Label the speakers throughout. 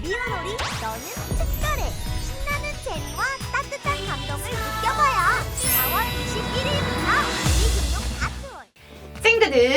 Speaker 1: 미우놀이 너는 특별해. 신나는 재미와 따뜻한 감동을 느껴봐요. 4월 21일부터 우리금융 아트홀.
Speaker 2: 친구들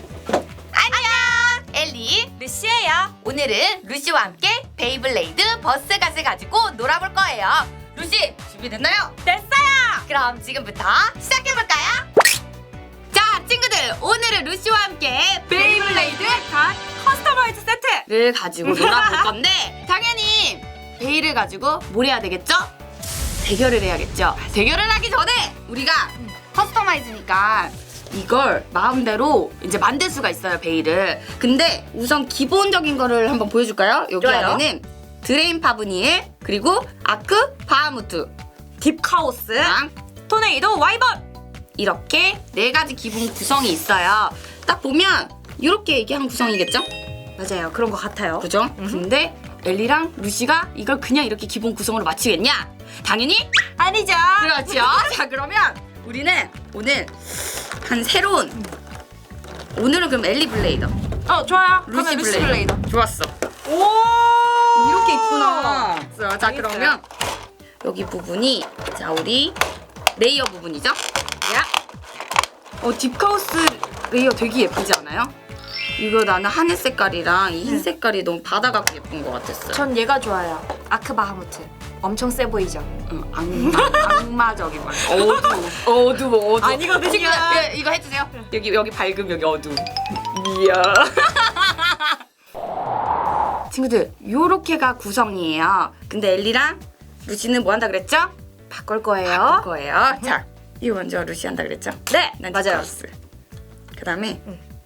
Speaker 2: 안녕! 엘리, 루시예요. 오늘은 루시와 함께 베이블레이드 버스갓을 가지고 놀아볼 거예요. 루시, 준비됐나요? 됐어요! 그럼 지금부터 시작해볼까요? 자, 친구들, 오늘은 루시와 함께 베이블레이드 갓 커스터마이즈 세트를 가지고 놀아볼 건데 당연히 베이를 가지고 뭘 해야 되겠죠? 대결을 해야겠죠? 대결을 하기 전에 우리가 커스터마이즈니까 이걸 마음대로 이제 만들 수가 있어요, 베이를. 근데 우선 기본적인 거를 한번 보여줄까요? 여기
Speaker 3: 좋아요.
Speaker 2: 안에는 드레인 파브니엘, 그리고 아크 바하무트,
Speaker 3: 딥카오스,
Speaker 2: 랑
Speaker 3: 토네이도 와이번.
Speaker 2: 이렇게 4가지 기본 구성이 있어요. 딱 보면 이렇게 이게 한 구성이겠죠?
Speaker 3: 맞아요, 그런 것 같아요.
Speaker 2: 그죠? 근데 엘리랑 루시가 이걸 그냥 이렇게 기본 구성으로 맞추겠냐? 당연히
Speaker 3: 아니죠.
Speaker 2: 그렇죠. 자, 그러면 우리는 오늘 한 새로운 오늘은 그럼 엘리 블레이더,
Speaker 3: 좋아요.
Speaker 2: 루시
Speaker 3: 그러면 루시
Speaker 2: 블레이더.
Speaker 3: 블레이더.
Speaker 2: 좋았어.
Speaker 3: 오,
Speaker 2: 이렇게 있구나. 자,
Speaker 3: 재밌어요.
Speaker 2: 그러면 여기 부분이 자 우리 레이어 부분이죠?
Speaker 3: 야,
Speaker 2: 딥카우스 레이어 되게 예쁘지 않아요? 이거 나는 하늘 색깔이랑 이 흰 색깔이 너무 받아갖고 예쁜 것 같았어요.
Speaker 3: 전 얘가 좋아요. 아크바하무트. 엄청 세 보이죠?
Speaker 2: 악마적인 말. 어두워.
Speaker 3: 아니거든요.
Speaker 2: 친구들, 예, 이거 해주세요. 여기 밝음, 여기 어두움. 이야. 친구들, 요렇게가 구성이에요. 근데 엘리랑 루시는 뭐 한다 그랬죠?
Speaker 3: 바꿀 거예요.
Speaker 2: 바꿀 거예요. 자, 이거 먼저 루시 한다 그랬죠?
Speaker 3: 네,
Speaker 2: 난
Speaker 3: 맞아요.
Speaker 2: 딥카우스. 그 다음에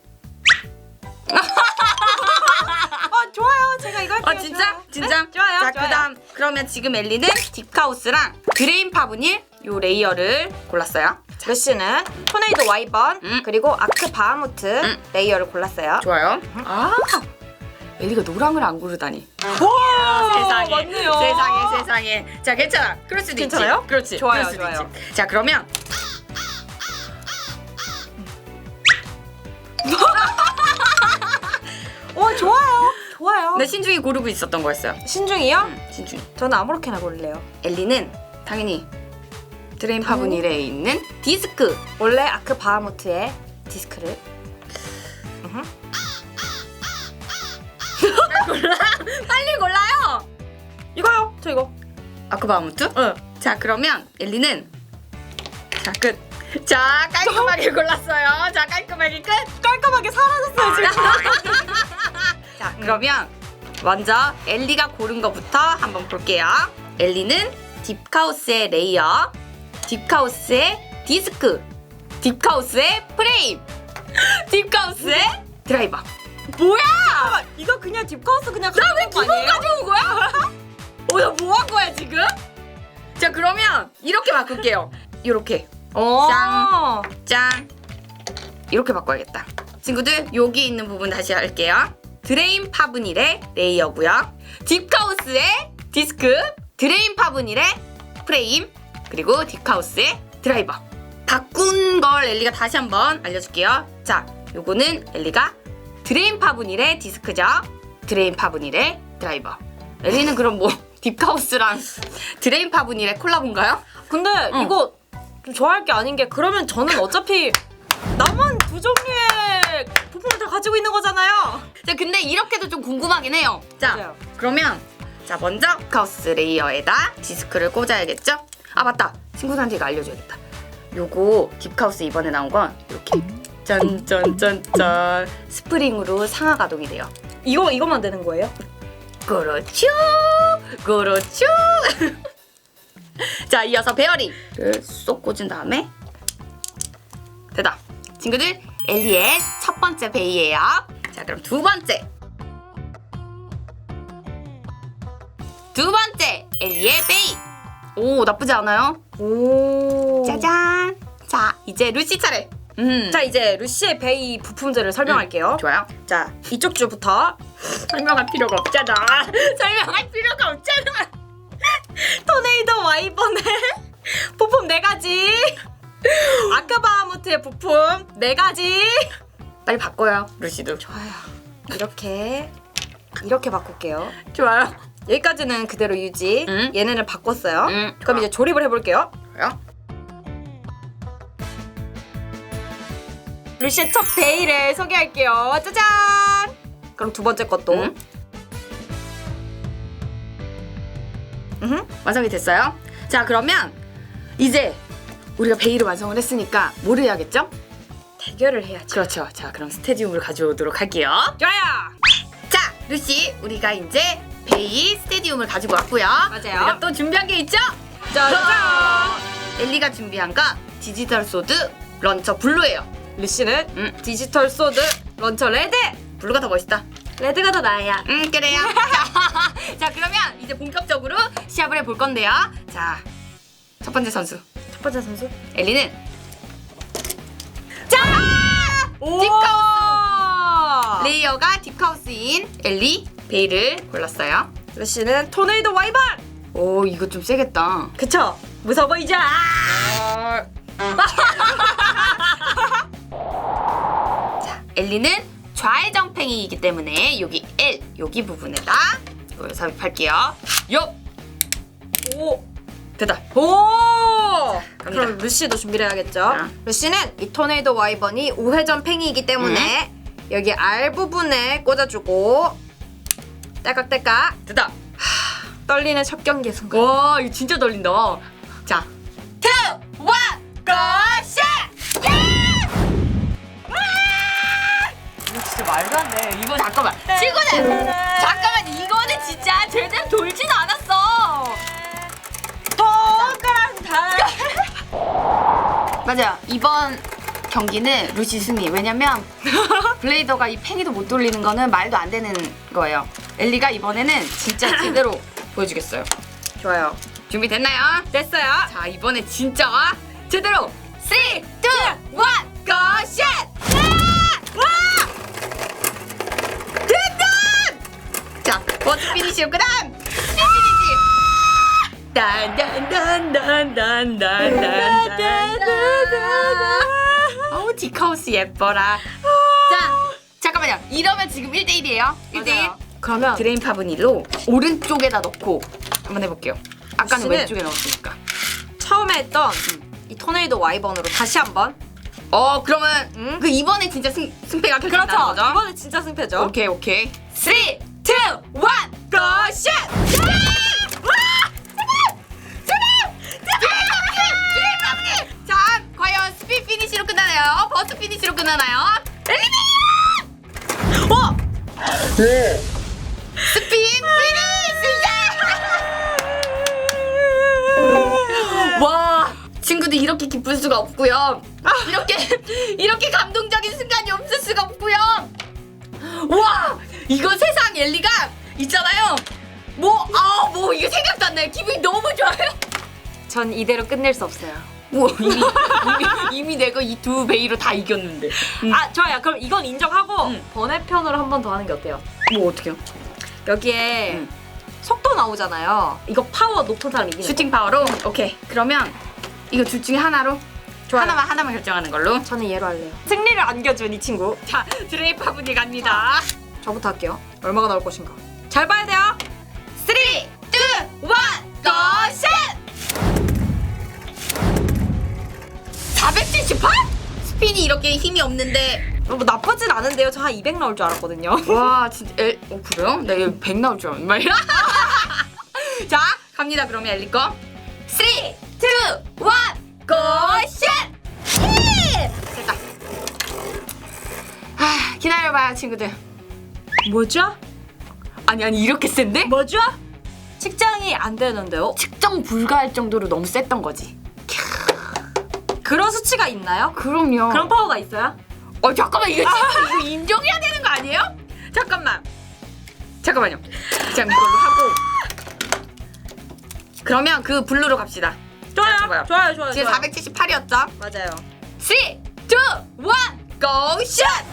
Speaker 3: 좋아요. 제가 이거 할게요.
Speaker 2: 진짜?
Speaker 3: 좋아요.
Speaker 2: 진짜?
Speaker 3: 네, 좋아요.
Speaker 2: 자,
Speaker 3: 좋아요.
Speaker 2: 그다음 그러면 지금 엘리는 딥카우스랑 드레인 파브닐 요 레이어를 골랐어요.
Speaker 3: 루시는 토네이도 와이번 그리고 아크바하무트 레이어를 골랐어요.
Speaker 2: 좋아요. 엘리가 노랑을 안 고르다니.
Speaker 3: 와,
Speaker 2: 세상에.
Speaker 3: 맞네요.
Speaker 2: 세상에. 자, 괜찮아. 그럴 수도
Speaker 3: 괜찮아요?
Speaker 2: 있지. 그렇지.
Speaker 3: 좋아요,
Speaker 2: 그럴 수도
Speaker 3: 좋아요.
Speaker 2: 있지. 자, 그러면
Speaker 3: 좋아요.
Speaker 2: 내 신중히 고르고 있었던 거였어요.
Speaker 3: 신중이요?
Speaker 2: 신중히.
Speaker 3: 저는 아무렇게나 고를래요.
Speaker 2: 엘리는 당연히 드레인 파브닐에 있는 디스크.
Speaker 3: 원래 아크바하무트의 디스크를
Speaker 2: 빨리 골라요.
Speaker 3: 이거요. 저 이거.
Speaker 2: 아크바하무트?
Speaker 3: 응.
Speaker 2: 자, 그러면 엘리는 자, 끝. 자, 깔끔하게 골랐어요. 자, 깔끔하게 끝.
Speaker 3: 깔끔하게 사라졌어요 지금.
Speaker 2: 자, 그러면 먼저 엘리가 고른 거부터 한번 볼게요. 엘리는 딥카우스의 레이어, 딥카우스의 디스크, 딥카우스의 프레임, 딥카우스의 드라이버. 뭐야?
Speaker 3: 이거 그냥 딥카우스 그냥
Speaker 2: 나 왜
Speaker 3: 가져온 거
Speaker 2: 기본
Speaker 3: 아니에요?
Speaker 2: 가져온 거야? 나 뭐 한 거야 지금? 자, 그러면 이렇게 바꿀게요. 이렇게 짱. 짠. 이렇게 바꿔야겠다. 친구들, 여기 있는 부분 다시 할게요. 드레인 파브닐의 레이어고요. 딥카우스의 디스크, 드레인 파브닐의 프레임, 그리고 딥카우스의 드라이버. 바꾼 걸 엘리가 다시 한번 알려줄게요. 자, 요거는 엘리가 드레인 파브닐의 디스크죠. 드레인 파브닐의 드라이버. 엘리는 그럼 뭐 딥카우스랑 드레인 파브닐의 콜라보인가요?
Speaker 3: 근데 이거 좀 좋아할 게 아닌 게 그러면 저는 어차피 나만 두 종류의 부품을 다 가지고 있는 거잖아요.
Speaker 2: 자, 근데 이렇게도 좀 궁금하긴 해요. 자,
Speaker 3: 맞아요.
Speaker 2: 그러면 자, 먼저 딥카우스 레이어에다 디스크를 꽂아야겠죠? 아, 맞다. 친구들한테 이거 알려줘야겠다. 요거 딥카우스 이번에 나온 건 이렇게 짠짠짠짠 스프링으로 상하 가동이 돼요.
Speaker 3: 이것만 되는 거예요?
Speaker 2: 그렇죠. 자, 이어서 베어링을 쏙 꽂은 다음에 됐다. 친구들, 엘리의 첫 번째 베이예요. 자, 그럼 두 번째 엘리의 베이. 오, 나쁘지 않아요?
Speaker 3: 오.
Speaker 2: 짜잔. 자, 이제 루시 차례.
Speaker 3: 자, 이제 루시의 베이 부품들을 설명할게요.
Speaker 2: 좋아요.
Speaker 3: 자, 이쪽 줄부터
Speaker 2: 설명할 필요가 없잖아. 설명할 필요가 없잖아.
Speaker 3: 토네이도 와이번의 부품 4가지, 아크바하무트의 부품 4가지.
Speaker 2: 빨리 바꿔요, 루시도.
Speaker 3: 좋아요. 이렇게 이렇게 바꿀게요.
Speaker 2: 좋아요.
Speaker 3: 여기까지는 그대로 유지. 얘네를 바꿨어요.
Speaker 2: 좋아.
Speaker 3: 그럼 이제 조립을 해볼게요.
Speaker 2: 그래요?
Speaker 3: 루시의 첫 베일을 소개할게요. 짜잔! 그럼 두 번째 것도.
Speaker 2: 완성이 됐어요. 자, 그러면 이제 우리가 베일을 완성을 했으니까 뭘 해야겠죠?
Speaker 3: 대결을 해야지.
Speaker 2: 그렇죠. 자, 그럼 스테디움을 가져오도록 할게요.
Speaker 3: 좋아요!
Speaker 2: 자, 루시, 우리가 이제 베일 스테디움을 가지고 왔고요.
Speaker 3: 맞아요.
Speaker 2: 우리가 또 준비한 게 있죠?
Speaker 3: 짜잔!
Speaker 2: 엘리가 준비한 거 디지털 소드 런처 블루예요.
Speaker 3: 루시는 디지털 소드 런처 레드!
Speaker 2: 블루가 더 멋있다.
Speaker 3: 레드가 더 나아야.
Speaker 2: 그래요. 자, 그러면 이제 본격적으로 시합을 해볼 건데요. 자, 첫 번째 선수
Speaker 3: 첫 번째 선수.
Speaker 2: 엘리는
Speaker 3: 오!
Speaker 2: 딥카우스! 레이어가 딥카우스인 엘리 베일을 골랐어요.
Speaker 3: 루시는 토네이도 와이번!
Speaker 2: 오, 이거 좀 세겠다.
Speaker 3: 그쵸? 무서워 보이죠?
Speaker 2: 자, 엘리는 좌회전팽이이기 때문에 여기 L, 여기 부분에다 이걸 삽입할게요. 요!
Speaker 3: 오!
Speaker 2: 됐다.
Speaker 3: 오!
Speaker 2: 갑니다.
Speaker 3: 그럼 루시도 준비를 해야겠죠?
Speaker 2: 자.
Speaker 3: 루시는 이 토네이도 와이번이 우회전 팽이이기 때문에 여기 R 부분에 꽂아주고 딸깍딸깍
Speaker 2: 됐다.
Speaker 3: 떨리는 첫 경기 순간.
Speaker 2: 와, 이거 진짜 떨린다. 자, 2, 1, 고! 샷! 이거 진짜 말도 안 돼. 이거 잠깐만. 친구들! 잠깐만, 이거는 진짜 제대로 돌진 않았어. 맞아요. 이번 경기는 루시 승리. 왜냐면 블레이더가 이 팽이도 못 돌리는 거는 말도 안 되는 거예요. 엘리가 이번에는 진짜 제대로 보여주겠어요.
Speaker 3: 좋아요.
Speaker 2: 준비됐나요?
Speaker 3: 됐어요.
Speaker 2: 자, 이번에 진짜 제대로 3, 2, 1, 고! 샷! 와! 됐다! 자, 버스 피니시요. 그 다음 스피드 피니시. 어우, 디카우스 예뻐라. 자, 잠깐만요. 이러면 지금 1대1이에요. 1대1.
Speaker 3: 그러면
Speaker 2: 드레인 파브닐로 오른쪽에다 넣고 한번 해볼게요. 아까는
Speaker 3: 루시는
Speaker 2: 왼쪽에 넣었으니까.
Speaker 3: 처음에 했던 이 토네이도 와이번으로 다시 한번.
Speaker 2: 그러면 그 이번에 진짜 승패가 결정나는
Speaker 3: 그렇죠.
Speaker 2: 거죠?
Speaker 3: 이번에 진짜 승패죠.
Speaker 2: 오케이. 3, 2, 1, 고! 샷! 자, 과연 스피드 피니시로 끝나나요? 버스 피니시로 끝나나요? 엘리베이터! 스피드 피니시! 와, 친구들 이렇게 기쁠 수가 없고요. 이렇게 감동적인 순간이 없을 수가 없고요. 와, 이거 세상 엘리가 있잖아요. 뭐 이게 생각도 안 나요. 기분이 너무 좋아요.
Speaker 3: 전 이대로 끝낼 수 없어요.
Speaker 2: 뭐 이미 내가 이 두 베이로 다 이겼는데.
Speaker 3: 아 좋아요. 그럼 이건 인정하고
Speaker 2: 음.
Speaker 3: 번외편으로 한 번 더 하는 게 어때요?
Speaker 2: 뭐 어떻게요?
Speaker 3: 여기에 속도 나오잖아요. 이거 파워 높은 사람 이기는
Speaker 2: 슈팅 파워로? 오케이. 그러면 이거 둘 중에 하나로?
Speaker 3: 좋아요.
Speaker 2: 하나만 결정하는 걸로.
Speaker 3: 거. 저는 얘로 할래요. 승리를 안겨준 이 친구.
Speaker 2: 자, 드레이파 분이 갑니다.
Speaker 3: 저부터 할게요. 얼마가 나올 것인가. 잘 봐야 돼요.
Speaker 2: 3, 2, 1, 고! 샷! 478? 스핀이 이렇게 힘이 없는데.
Speaker 3: 뭐 나쁘진 않은데요. 저 한 200 나올 줄 알았거든요.
Speaker 2: 와, 진짜 그래요? 나 여기 100 나올 줄 알았는데 말이야. 자, 갑니다. 그러면 엘리 거. 3, 2, 1, 고! 샷! 됐다. 기다려봐요, 친구들.
Speaker 3: 뭐죠?
Speaker 2: 아니 이렇게 센데?
Speaker 3: 뭐죠? 측정이 안 되는데요?
Speaker 2: 측정 불가할 정도로 너무 셌던 거지.
Speaker 3: 그런 수치가 있나요?
Speaker 2: 그럼요.
Speaker 3: 그런 파워가 있어요?
Speaker 2: 잠깐만, 이거 인정해야 되는 거 아니에요? 잠깐만요. 자, 이걸로 하고. 그러면 그 블루로 갑시다.
Speaker 3: 좋아요. 좋아요.
Speaker 2: 지금 478이었죠?
Speaker 3: 맞아요.
Speaker 2: 3, 2, 1, 고! 샷!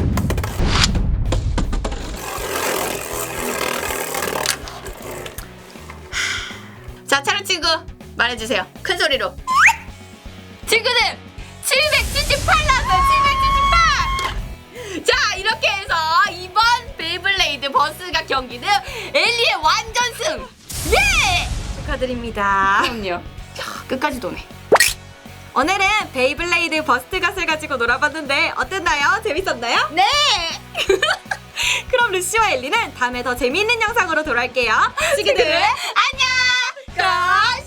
Speaker 2: 자, 촬영 친구 말해주세요. 큰 소리로. 친구들 778 나왔어요. 778. 자, 이렇게 해서 이번 베이블레이드 버스가 여기는 엘리의 완전승. 예!
Speaker 3: 축하드립니다.
Speaker 2: 그럼요. 야, 끝까지 도네.
Speaker 3: 오늘은 베이블레이드 버스트갓을 가지고 놀아봤는데 어땠나요? 재밌었나요?
Speaker 2: 네.
Speaker 3: 그럼 루시와 엘리는 다음에 더 재미있는 영상으로 돌아올게요. 친구들
Speaker 2: 안녕.
Speaker 3: 그럼